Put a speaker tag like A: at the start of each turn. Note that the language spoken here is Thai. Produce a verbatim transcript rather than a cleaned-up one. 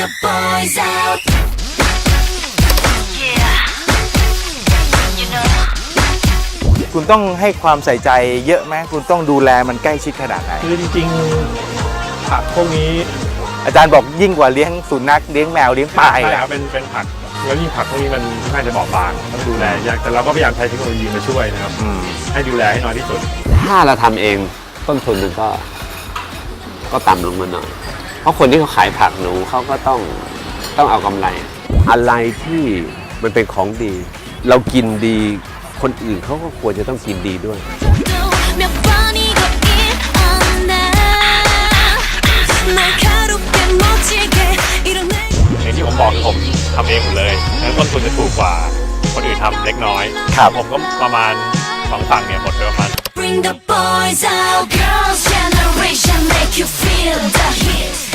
A: the boys out. Yeah, you know.
B: คุณต้องให้ความใส่ใจเยอะไหมคุณต้องดูแลมันใกล้ชิดขนาดไหน
C: คือจริงๆผักพวกนี้
B: อาจารย์บอกยิ่งกว่าเลี้ยงสุนัขเลี้ยงแมวเลี้ยงปลา
C: ใช่
B: อีก
C: ครับเป็นเป็นผักแล้วยิ่งผักพวกนี้มันน่าจะบอบบางต้องดูแลยากแต่เราก็พยายามใช้เทคโนโลยีมาช่วยนะครับ
B: อืม
C: ให้ดูแลให้น้อยที่สุด
D: ถ้าเราทำเองต้นทุนมันก็ก็ต่ำลงมาหน่อย เพราะคนที่เขาขายผักหนูเขาก็ต้องต้องเอากำไร อะไรที่มันเป็นของดี เรากินดีคนอื่นเขาก็ควรจะต้องกินดีด้วย
A: 몇 번이고 일어나 날카롭게 멋지게 이런 내
C: อย่างที่ผมบอกผมทำเองหมดเลยแล้วต้นทุนจะถูกกว่าคนอื่นทำเล็กน้อย
B: ครับ
C: ผมก็ประมาณสองฝั่งเนี่ยหมดไปประมาณ
A: Bring the boys out, girls generation make you feel the heat.